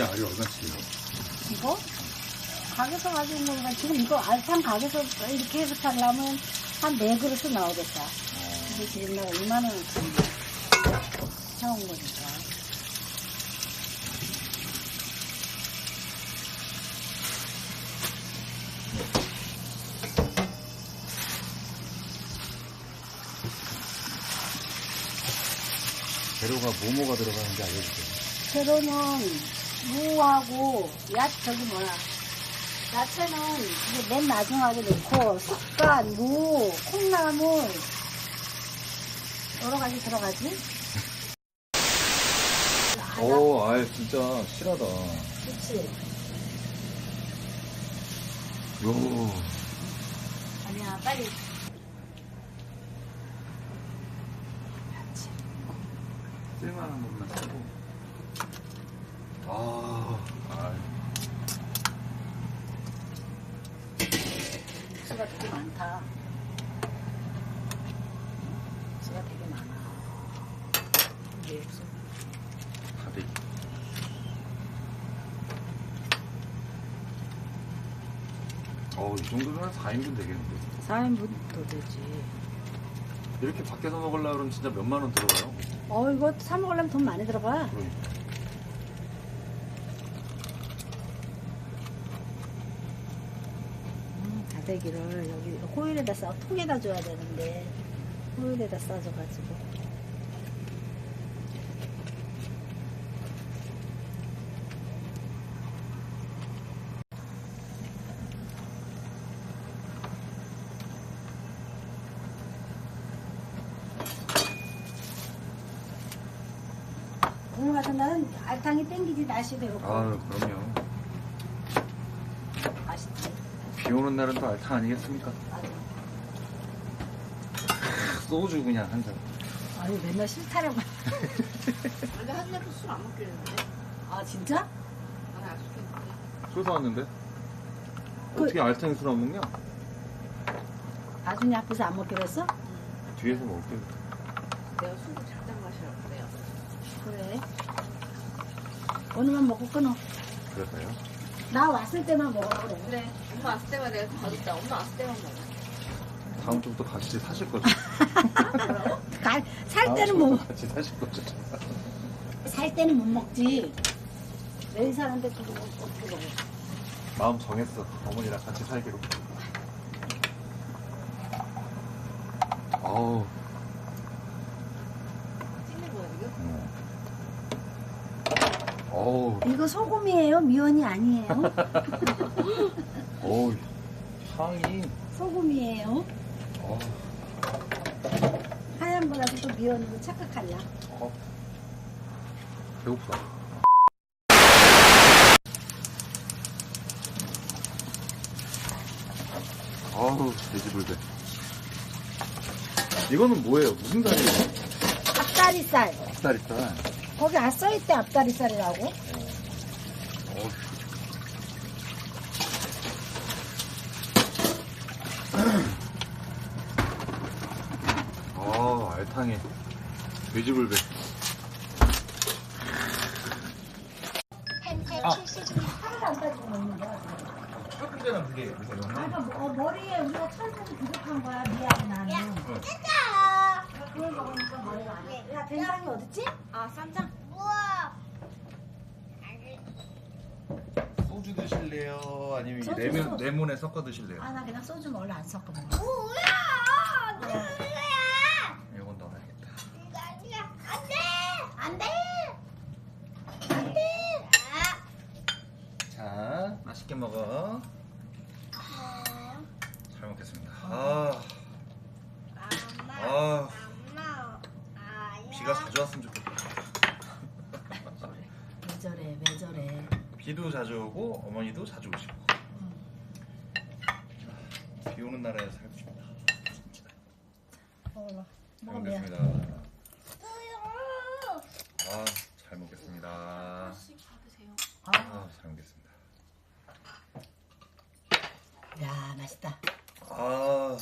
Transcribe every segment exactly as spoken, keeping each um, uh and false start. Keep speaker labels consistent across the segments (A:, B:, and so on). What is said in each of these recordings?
A: 이게 알이 얼마치예요?
B: 이거? 가게에서 가지고 온 거니까 지금 이거 알탕 가게에서 이렇게 해서 팔려면 한 네 그릇은 나오겠다. 근데 지금 내가 이만 원을 사온 거니까.
A: 재료가 뭐뭐가 들어가는지 알려주세요.
B: 재료는 무하고 야 저기 뭐야 야채는 이제 맨 나중하게 넣고 쑥갓, 무, 콩나물 여러 가지 들어가지.
A: 오, 아 진짜 실하다.
B: 그렇지.
A: 요.
B: 아니야 빨리.
A: 쓸만한 것만 쓰고. 아, 아.
B: 육수가 되게 많다. 육수가 되게 많아. 이게 육수.
A: 다들. 어, 이 정도면 사 인분 되겠는데.
B: 사 인분도 되지.
A: 이렇게 밖에서 먹으려고 그러면 진짜 몇만 원 들어가요.
B: 어 이거 사 먹으려면 돈 많이 들어가.
A: 그러니까.
B: 음, 다대기를 여기 호일에다 싸 통에다 줘야 되는데 호일에다 싸줘가지고. 오늘 같은 날은 알탕이 땡기지. 날씨 배고파.
A: 아, 그럼요.
B: 맛있지.
A: 비 오는 날은 또 알탕 아니겠습니까?
B: 맞아.
A: 소주 그냥 한 잔.
B: 아니 맨날 싫다라고.
C: 근데 하진이도 술 안 먹기로 했는데.
B: 아 진짜?
C: 나는 약속했는데.
A: 술 사왔는데?
B: 그-
A: 어떻게 알탕에 술 안 먹냐?
B: 아준이 앞에서 안 먹기로 했어?
A: 뒤에서 먹을게.
C: 내가 술을 작작 마시라고 그래요.
B: 그래. 오늘만 먹고 끊어.
A: 그래서요?
B: 나 왔을 때만 먹으라고 그래.
C: 그래. 엄마 왔을 때만 내가 봐줬다. 엄마 왔을 때만 먹어.
A: 다음 주부터 같이 사실 거죠?
B: 갈- 살
A: 다음
B: 때는
A: 주부터
B: 뭐,
A: 같이 사실 거죠?
B: 살 때는 못 먹지. 매일 사는데 그거 어떻게 먹어?
A: 마음 정했어. 어머니랑 같이 살기로. 어우.
C: 찍는 거야, 지금?
A: 음. 어우.
B: 이거 소금이에요? 미원이 아니에요?
A: 어우. 향이.
B: 소금이에요.
A: 어우.
B: 하얀 거라도 또 미원으로 착각할라.
A: 어. 배고프다. 어우, 돼지불배. 이거는 뭐예요? 무슨 살이에요?
B: 앞다리살.
A: 앞다리살.
B: 거기 아 써있대 앞다리살이라고.
A: 어우. 아, 알탕에 돼지불배. 아.
B: 하나도 안 따지고 먹는 거야.
A: 조금 전에 그게 요새
B: 아, 그러니까 뭐, 어, 머리에 우리가 철분이 부족한 거야. 미안해 나는. 그걸 먹으니까 머리가 안 해. 야 된장이 어딨지?
C: 아, 쌈장?
A: 소주 드실래요? 아니면
B: 소주,
A: 레몬,
B: 소주.
A: 레몬에 섞어 드실래요?
B: 아 나 그냥 소주 원래 안 섞어 먹어.
A: 이건 넣어야겠다. 자, 맛있게 먹어. 잘 먹겠습니다. 아, 아, 비가 자주 왔으면 좋겠다.
B: 왜 저래 왜 저래.
A: 비도 자주 오고 어머니도 자주 오시고. 자, 비 오는 나라에 살고 싶다.
B: 먹어봐.
A: 잘
B: 먹어 미안.
A: 먹겠습니다. 아, 잘 먹겠습니다.
C: 하나씩 받으세요.
A: 아, 잘 먹겠습니다.
B: 야 맛있다.
A: 아,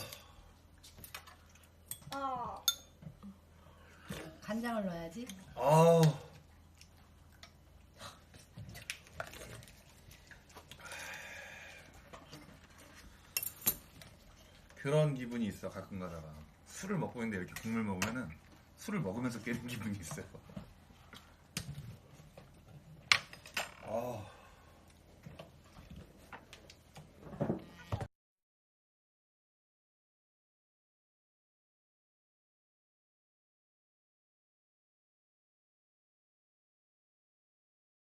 B: 간장을 넣어야지.
A: 아,
D: 그런 기분이 있어 가끔 가다가. 술을 먹고 있는데 이렇게 국물 먹으면은 술을 먹으면서 깨는 기분이 있어요. 아.